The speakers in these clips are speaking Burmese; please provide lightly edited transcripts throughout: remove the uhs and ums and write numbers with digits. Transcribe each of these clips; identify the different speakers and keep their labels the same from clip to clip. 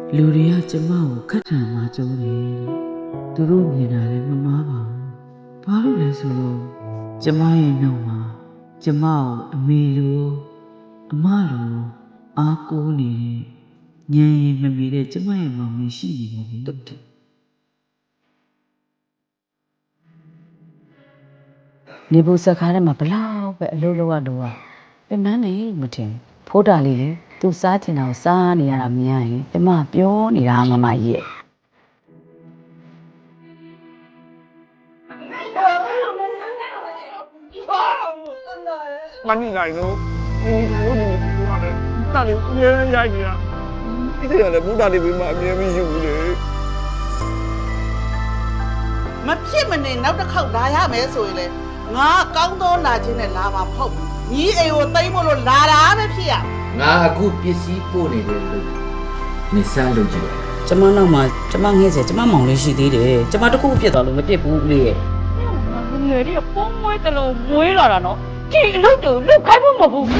Speaker 1: လူတွေကကျမကိုခက်ထန်မှကြိုးတယ်သူတို့မြင်တာလည်းမမားပါဘူးဘာလို့လဲဆိုတော့ကျမရဲ့နှုတ်မှာကျမကိုအမေလိုအမလိုအားကိုးနေတဲ့ညံရင်မမီတဲ့ကျမရဲ့မောင်လေးရှိနေတယ်တူတူနေဘူးစကားထဲမှာဘလောက်ပဲအလုပ်လုပ်ရတော့ပြန်မနေမထင်ဖိုးတာလေးလေသူစားချင်တာကိုစားနေရတာမြင်ရရင်ကျမပြောနေတာမမကြီးရဲ့
Speaker 2: မနီနိုင်လို့တာလေးအမြဲရိုက်နေတာဒီကလည်းဘုရားလေးပြီးမှအမြဲမရှိဘူးလေ
Speaker 3: မဖြစ်မနေနောက်တစ်ခေါက်လာရမယ်ဆိုရင်လေငါကောင်းသောလာခြင်းနဲ့လာမှာမဟုတ်ဘူးညီအိမ်ကိုသိမ်းမလို့လာတာပဲဖြစ်ရ
Speaker 4: ငါအခုပစ္စည်းပို့နေတယ်လို့မစမ်းလို့ကြည့်
Speaker 1: ကျမနောက်မှာကျမငှဲ့စေကျမမောင်လေးရှိသေးတယ်ကျမတခုပြစ်သွားလို့မပြစ်ဘူးလေရဲ့
Speaker 5: ငယ်လေးပုံမွေးတယ်လို့မွေးလာတာနော်ဒီအလုပ်တူလုတ်ခိုင်းဖို့မဟုတ်ဘူး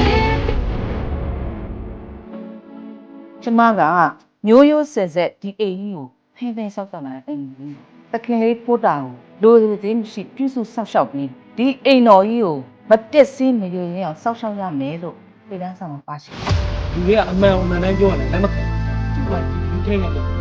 Speaker 5: ကျမကမျိုးရိုးဆက်ဆက်ဒီအိမ်ကြီးကိုဖင်းဖင်းဆောက်ဆောက်လာတယ်တခင်လေးပို့တာကိုလိုသေးမရှိပြုစုဆောက်ရှောက်ပြီးဒီအိမ်တော်ကြီးကိုမပျက်စီးမရရင်အောင်ဆောက်ရှောက်ရမယ်လို့ပြည်တန်းဆောင်မှာပါရှိ
Speaker 2: ဒီကအမှန်အမှန်တိုင်းပြောရတယ်ဒါပေမဲ့ဒီထင်းနေတယ်
Speaker 5: ဟဲ့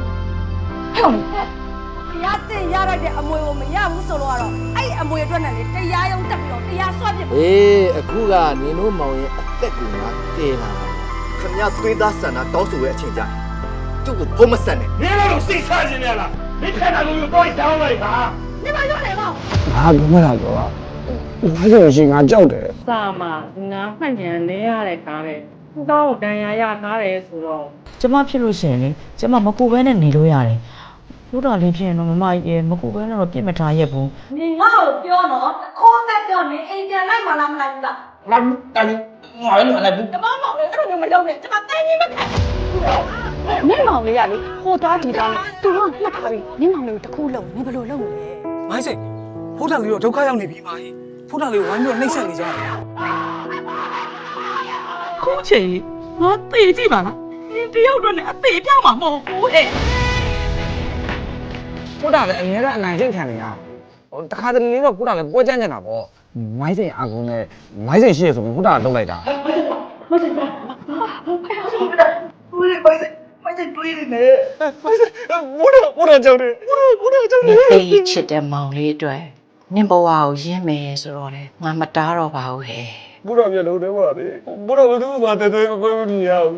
Speaker 6: ရတင်ရလိုက်တဲ့အမွေကိုမရဘူးဆိုတော့အဲ့အမွေအတွက်နဲ့လေတရားရုံးတက်ပြီးတော့တရားစွဲပြစ်
Speaker 4: အေးအခုကနင်တို့မောင်ရဲ့အသက်ကငါတည်လာတာ
Speaker 7: ခင်ဗျာသွေးသားဆန္ဒတောင်းဆိုရဲ့အချိန်ကြသူ့ကိုဘုံမဆက်နဲ့
Speaker 2: မင်းတို့စိတ်ချခြင်းနဲ့လားမင်းခက်တာလို့တော့တောင်းလိုက်ပါ
Speaker 6: နေမရောတယ်ကော
Speaker 2: ငါကမလာတော့ငါဆိုရှင်ငါကြောက်တယ်
Speaker 5: စာမှာငါမှတ်ဉာဏ်နေရတဲ့ကားတဲ့တော့ဒဏ်ရာရထားတယ်ဆိုတော့
Speaker 1: ကျမဖြစ်လို့ရှိရင်လေကျမမကူဘဲနဲ့နေလို့ရတယ်ဘုရားလေးဖြစ်ရင်တော့မမကြီးမကူဘဲနဲ့တော့ပြစ်မထားရက်ဘူး
Speaker 6: နေငါ့ကိုပြောတော့ခိုးသက်ပြောနေအိမ်ပြန်လိုက်မလားမလိုက်ဘူးလား
Speaker 2: လာတယ်ငါလည်းမလိုက်ဘူး
Speaker 6: ကျမမောင်လေးအဲ့လိုမျိုးမလုပ်နဲ့ကျမတန်းကြီးမခံ
Speaker 5: နင့်မောင်လေးကလေဟိုသားဒီသားသူကမှတ်ထားပြီ
Speaker 6: နင်းမောင်လေးတခုလုံးနင်ဘယ်လိုလုပ်မလဲ
Speaker 2: မိုင်းစိတ်ဖုန်းထန်လေးတော့ဒုက္ခရောက်နေပြီမာကြီးဖုန်းထန်လေးကိုဝိုင်းပြီးတော့နှိမ့်ဆက်နေကြတယ်
Speaker 5: ခုချိန်ငါသေကြည့်ပါလားဒီတယောက်တော့လည်းအသေးပြောင်းမှာမဟုတ်ဘူးဟဲ့
Speaker 2: ဖုန်းထန်လည်းအများကအနိုင်ကျင့်ခံနေရဟိုတခါတလေတော့ဖုန်းထန်လည်းပွဲကြမ်းကြတာပေါ့မိုင်းစိတ်အာကုန်းနဲ့မိုင်းစိတ်ရှိရဆိုပြီးဖုန်းထန်ကတုံးလိုက်တာ ဘုရားကြောင့်တယ်ဘုရားကြောင့်တယ်
Speaker 8: အေးချစ်တဲ့မောင်လေးအတွက်နင့်ဘဝကိုရင်းမယ်ဆိုတော့လေငါမတားတော့ပါဘူးဟဲ့
Speaker 2: ဘုရားမျက်လုံးထဲမှာလေဘုရားဘယ်သူမှတဲတဲအကွဲမမြင်ရဘူး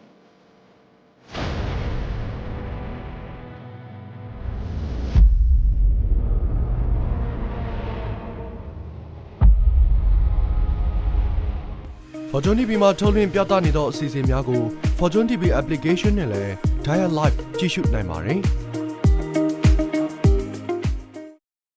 Speaker 9: Fortune TV မှာထုတ်လွှင့်ပြသနေသောအစီအစဉ်များကို Fortune TV application နဲ့လည်း Dial Live ကြည့်ရှုနိုင်ပါတယ်။